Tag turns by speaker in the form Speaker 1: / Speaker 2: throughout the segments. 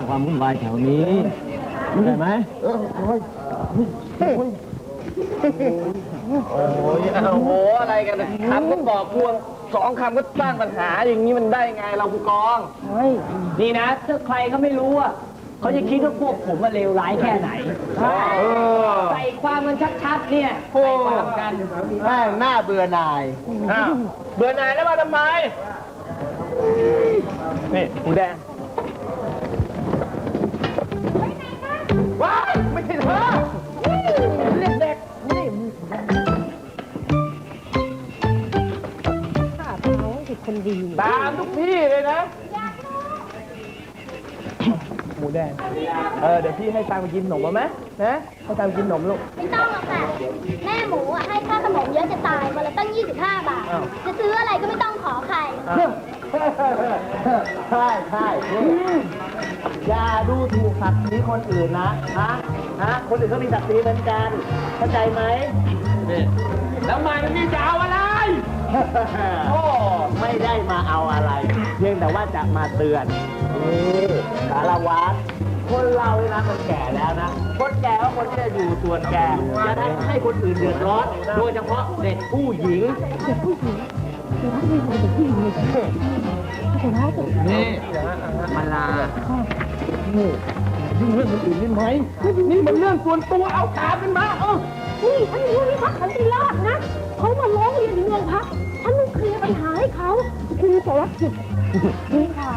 Speaker 1: ความวุ่นวายแถวนี้ใช่ไหม
Speaker 2: โอ้ยอะไรกันคำก็บอกพวง2 คำก็สร้างปัญหาอย่างนี้มันได้ไงเราผู้กอง
Speaker 3: นี่นะถ้าใครเขาไม่รู้อ่ะเขาจะคิดว่าพวกผมมาเลวร้ายแค่ไหนใส่ความมันชัดๆเนี่ยใส่ความกัน
Speaker 2: แม่งหน้าเบื่อหน่ายเบื่อหน่ายแล้วมาทำไมนี่หมูแดงว้ายไม่ใช่เธอเรียกเด็กนี่
Speaker 4: ข้าเขาคือคนดี
Speaker 2: ตามทุกที่เลยนะหมูแดงเดี๋ยวพี่ให้ตังค์ไปกินขนมมาไหมนะให้ตังค์กินขนมลูก
Speaker 5: ไม่ต้องหรอกค่ะแม่หมูให้ค่าขนมเยอะจะตายวันละตั้ง25 บาทจะซื้ออะไรก็ไม่ต้องขอใคร
Speaker 2: ใช่อย่าดูถูกศักดิ์ศรีคนอื่นนะคนอื่นเขามีศักดิ์ศรีเหมือนกันเข้าใจไหมแล้วมาที่นี่จะเอาอะไรโอ้ไม่ได้มาเอาอะไรเพียงแต่ว่าจะมาเตือนสารวัตรคนเราเวลาคนแก่แล้วนะคนแก่ก็คนที่จะอยู่ส่วนแก่จะได้ให้คนอื่นเดือดร้อนโดยเฉพาะเด็กผู้หญิงนี่มาลานี่เรื่องคนอื่นนี่ไหมนี่มันเรื่องส่วนตัวเอาตามกันมา
Speaker 4: นี่ฉันรู้ที่พักสันติราษฎร์นะเขามาร้องเรียนถึงโรงพักฉันต้องเคลียร์ปัญหาให้เขาคือสารกิจนี่ค่ะ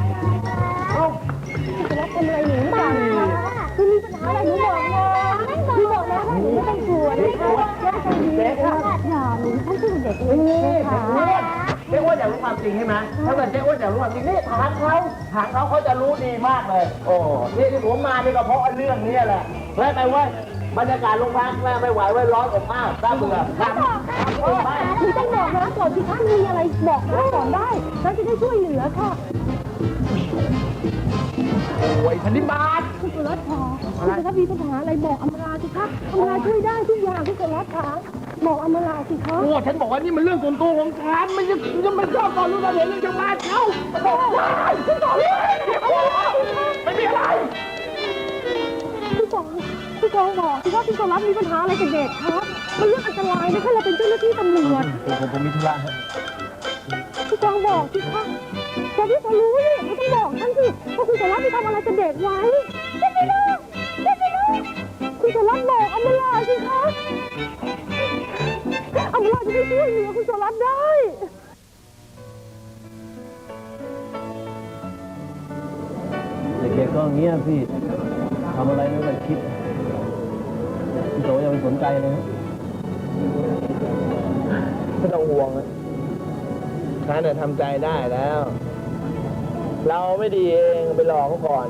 Speaker 4: จะรับเป็นอะไรหนูบ้างคือมีปัญหาอะไรหนูบอกนะหนูบอกนะหนูไม่ต้องกลัวนะคะว่าใจดีค่ะอย่าหนูฉันคือเด็กเล็กค่ะ
Speaker 2: เจ๊อ้วนอยากรู้ความจริงใช่ไหมถ้าเกิดเจ๊อ้วนอยากรู้ความจริงนี่ถามเขาจะรู้ดีมากเลยโอ้นี่ที่ผมมานี่ก็เพราะเรื่องนี้แหละเฮ้ยไปเว้ยบรรยากาศโรงพักแม่ไม่ไหวไว้ร้อนอบอ้าวน่าเบื่อ
Speaker 4: คุณต้องบอกนะก่อนที่ท่านมีอะไรบอกนะก่อนได้ฉันจะได้ช่วยเหลือค่ะ
Speaker 2: โอ้ยพันธิบาท
Speaker 4: คุณสุรัตน์ค่ะคุณสุรัตน์มีปัญหาอะไรบอกอมราสิคะอมราช่วยได้ทุกอย่างคุณสุรัตน์ค่ะบอกอมราสิคะ
Speaker 2: โอ้ฉันบอกว่านี่มันเรื่องส่วนตัวของฉันไม่ใช่ไม่ชอบตอนรู้ตอนเห็นเรื่องชาวบ้านเขาบอกได้คุณบอกไม่มีอะไร
Speaker 4: พี่กองบอกที่ว่าพี่สุรัตน์มีปัญหาอะไรกับเด็กครับมันเรื่องอันตรายนะถ้าเราเป็นเจ้าหน้าที่ตำรวจ
Speaker 2: ผมมีธุระ
Speaker 4: พี่กองบอกสิคะแต่พี่ก็รู้นี่ไม่ต้องบอกท่านสิว่าคุณสุรัตน์ไปทำอะไรกับเด็กไว้ไม่รู้คุณสุรัตน์บอกอมราสิคะอมราจะได้ช่วยเหลือคุณสุรัตน์ได้
Speaker 1: เด็กๆก็เงี้ยพี่ทำอะไรไม่ได้คิดพี่โตอย่าไปสนใจเลย
Speaker 2: ไม่ต้องห่วงนะฉันเนี่ยทำใจได้แล้วเราไม่ดีเองไปหลอกเขาก่อน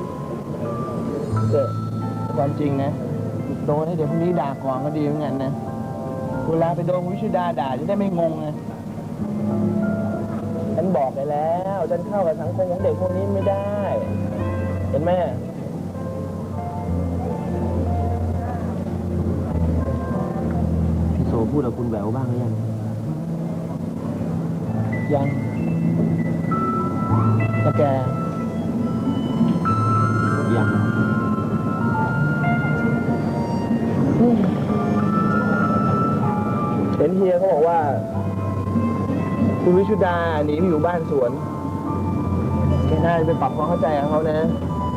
Speaker 2: ความจริงนะโดนให้เดี๋ยวพรุ่งนี้ด่าก่อนก็ดีเหมือนกันนะเวลาไปโดนวิชุดาด่าจะได้ไม่งงไงฉันบอกไปแล้วฉันเข้ากับสังคมของเด็กพวกนี้ไม่ได้เห็นไหม
Speaker 1: พี่โซพูดกับคุณแหววบ้างหรือยัง
Speaker 2: แต่แก
Speaker 1: ยัง
Speaker 2: เห็นเฮียเขาบอกว่าคุณวิชุดาหนีไปอยู่บ้านสวนแกน่าจะไปปรับความเข้าใจกับเขานะ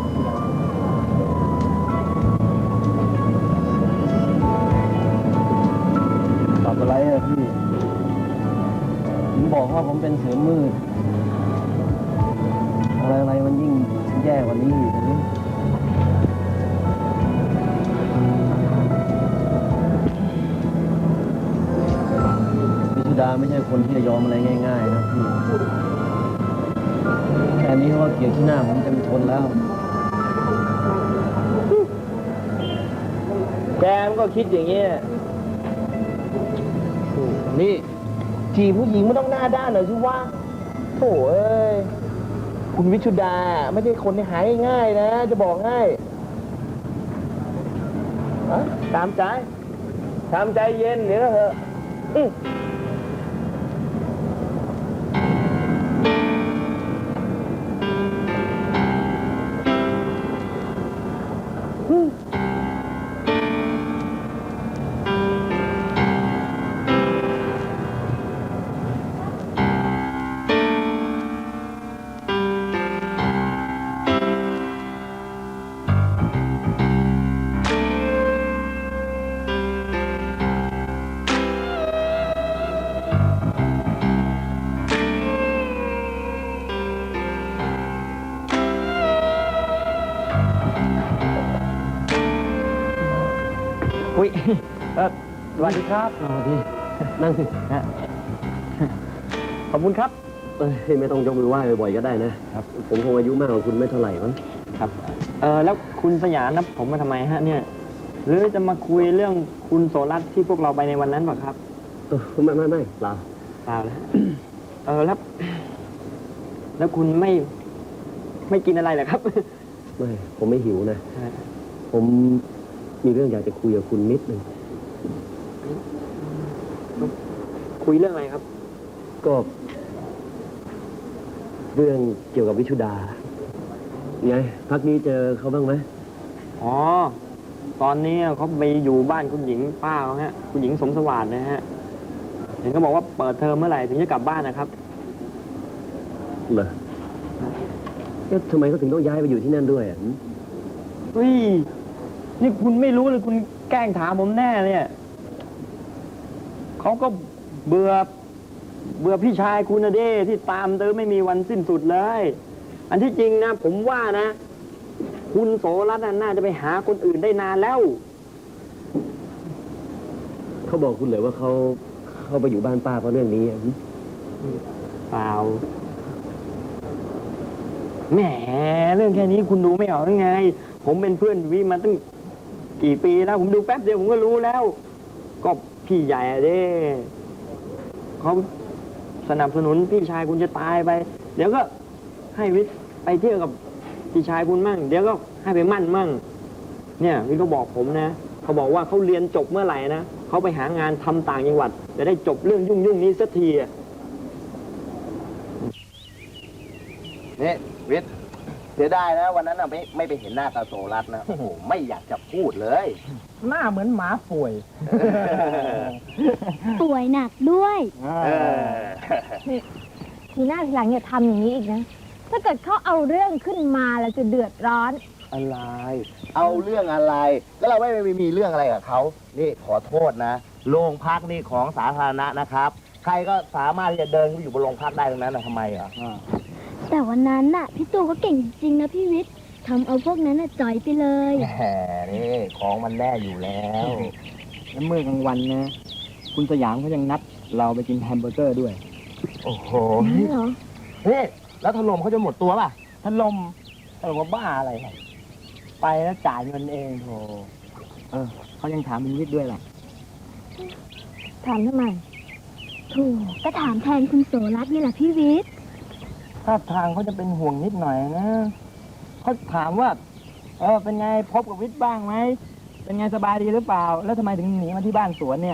Speaker 1: ปรับอะไรอะพี่ผมบอกว่าผมเป็นเสือมืดอะไรมันยิ่งแย่กว่านี้อีกนะพิชุดาไม่ใช่คนที่จะยอมอะไรง่ายๆนะพี่แค่นี้เขาเกลียดที่หน้าผมจะไม่ทนแล้ว
Speaker 2: แกมันก็คิดอย่างนี้นี่จีผู้หญิงไม่ต้องหน้าด้านหน่อยสิว่าโถ่เอ้ยคุณวิชุดาไม่ใช่คนที่หายง่ายๆนะจะบอกง่ายตามใจทำใจเย็นเดี๋ยวก็เถอะอุ้ยสวัสดีครับ
Speaker 1: สวัสดีนั่งสิ
Speaker 2: ขอบคุณครับ
Speaker 1: ไม่ต้องยกมือไหว้บ่อยๆก็ได้นะครับ ผมคงอายุมากกว่าคุณไม่เท่าไหร่มั้ง
Speaker 2: ครับ แล้วคุณสยามนับผมมาทำไมฮะเนี่ย หรือจะมาคุยเรื่องคุณโสรัตน์ที่พวกเราไปในวันนั้นป่ะครับ
Speaker 1: ไม่เปล่า
Speaker 2: เปล่าแล้ว แล้วคุณไม่กินอะไรเหรอครับ
Speaker 1: ไม่ผมไม่หิวนะ ผมมีเรื่องอยากจะคุยกับคุณนิดนึง
Speaker 2: คุยเรื่องอะไรครับ
Speaker 1: ก็เรื่องเกี่ยวกับวิชุดาไงพักนี้เจอเขาบ้างไหม
Speaker 2: อ๋อ ตอนนี้เขาไปอยู่บ้านคุณหญิงป้าเขาฮะ คุณหญิงสมสวัสดิ์นะฮะ เห็นเขาบอกว่าเปิดเทอมเมื่อไหร่ถึงจะกลับบ้านนะครับ
Speaker 1: เหรอทำไมเขาถึงต้องย้ายไปอยู่ที่นั่นด้วยอ่ะ
Speaker 2: เฮ้ย นี่คุณไม่รู้เลยคุณแกล้งถามผมแน่เนี่ยเขาก็เบื่อพี่ชายคุณนะเด้ที่ตามเติมไม่มีวันสิ้นสุดเลย อันที่จริงนะ ผมว่านะ คุณโสรัตน์น่าจะไปหาคนอื่นได้นานแล้ว
Speaker 1: เขาบอกคุณเลยว่าเขาไปอยู่บ้านป้าเพราะเรื่องนี้อ่ะ
Speaker 2: เปล่า แหม เรื่องแค่นี้คุณดูไม่ออกได้ไง ผมเป็นเพื่อนวิมาตั้งกี่ปีแล้ว ผมดูแป๊บเดียวผมก็รู้แล้ว ก็พี่ใหญ่อะเด้เขาสนับสนุนพี่ชายคุณจะตายไป เดี๋ยวก็ให้วิทย์ไปเที่ยวกับพี่ชายคุณมั่ง เดี๋ยวก็ให้ไปมั่นมั่ง เนี่ยวิทย์เขาบอกผมนะ เขาบอกว่าเขาเรียนจบเมื่อไหร่นะเขาไปหางานทำต่างจังหวัด จะได้จบเรื่องยุ่งนี้สักทีอะ
Speaker 6: นี่วิทย์เสียดายนะวันนั้นน่ะไม่ไปเห็นหน้าตาโสรัตน์นะโอ้โหไม่อยากจะพูดเลย
Speaker 2: หน้าเหมือนหมาป่วย
Speaker 5: ป่วยหนักด้วย
Speaker 6: เออ
Speaker 4: ทีหน้าทีหลังอย่าทำอย่างนี้อีกนะ ถ้าเกิดเขาเอาเรื่องขึ้นมาแล้วจะเดือดร้อน
Speaker 6: อะไร เอาเรื่องอะไร ก็เราไม่มีเรื่องอะไรกับเขานี่ขอโทษนะโรงพักนี่ของสาธารณะนะครับ ใครก็สามารถที่จะเดินไปอยู่บนโรงพักได้ตรงนั้นนะทำไมอ่ะ
Speaker 5: แต่วันนั้นน่ะพี่ตู่เขาเก่งจริงๆนะพี่วิทย์ทำเอาพวกนั้นน่ะจ่อยไปเลย
Speaker 6: แหมนี่ของมันแน่อยู่แล้ว
Speaker 2: แล้วเมื่อกลางวันนะ คุณสยามเขายังนัดเราไปกินแฮมเบอร์เกอร์ด้วย
Speaker 6: โอ้โห
Speaker 4: นี่เหรอ
Speaker 6: นี่แล้วถล่มเขาจะหมดตัวป่ะ
Speaker 2: ท่านลมว่าบ้าอะไรครับไปแล้วจ่ายเงินเองโธ่เขายังถามเป็นวิทย์ด้วยล่ะ
Speaker 4: ถามทำไม
Speaker 5: ถูกก็ถามแทนคุณโสรัตน์นี่แหละพี่วิทย์
Speaker 2: ถ้าทางเขาจะเป็นห่วงนิดหน่อยนะเขาถามว่า เป็นไงพบกับวิทย์บ้างไหม เป็นไงสบายดีหรือเปล่า แล้วทำไมถึงหนีมาที่บ้านสวนเนี่ย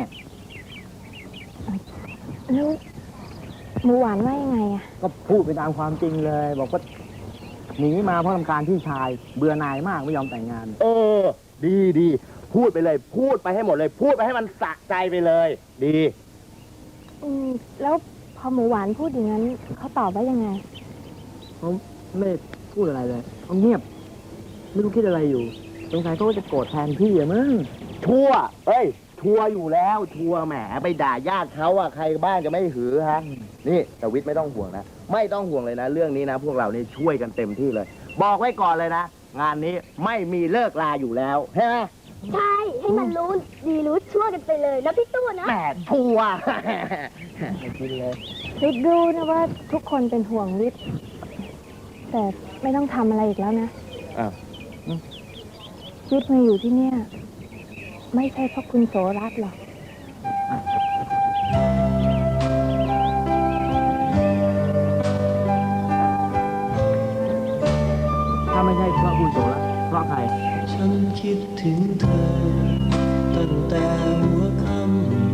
Speaker 4: แล้วหมูหวานว่ายังไงอะ
Speaker 2: ก็พูดไปตามความจริงเลย บอกว่าหนีมาเพราะรำคาญพี่ชาย เบื่อหน่ายมากไม่ยอมแต่งงาน
Speaker 6: เออ ดีพูดไปเลย พูดไปให้หมดเลย พูดไปให้มันสะใจไปเลย ดี
Speaker 4: แล้วพอหมูหวานพูดอย่างนั้นเขาตอบว่ายังไง
Speaker 2: เขาไม่พูดอะไรเลยเขาเงียบ ไม่รู้คิดอะไรอยู่สงสัยเขาจะโกรธแทนพี่อะมั้ง
Speaker 6: ชั่วเอ้ย ชัวร์อยู่แล้ว ชัวร์แหม ไปด่าญาติเขาอะใครบ้านจะไม่หือฮะ นี่แต่วิทย์ไม่ต้องห่วงนะ ไม่ต้องห่วงเลยนะ เรื่องนี้นะ พวกเรานี่ช่วยกันเต็มที่เลย บอกไว้ก่อนเลยนะ งานนี้ไม่มีเลิกลาอยู่แล้วใช่ไหม
Speaker 5: ใช่ ให้มันรู้ดีรู้ชั่วกันไปเลยนะพี่ตู่นะ
Speaker 6: แหมชัวร์
Speaker 2: กินเลย
Speaker 4: วิทย์รู้นะว่าทุกคนเป็นห่วงวิทย์แต่ไม่ต้องทำอะไรอีกแล้วนะ
Speaker 6: อ้าว
Speaker 4: วิทย์มาอยู่ที่เนี่ย ไม่ใช่เพราะคุณโสรัตน์หรอก
Speaker 2: ถ้าไม่ใช่เพราะคุณโสรัตน์เพราะใคร
Speaker 7: ฉันคิดถึงเธอตั้งแต่หัวค่ำ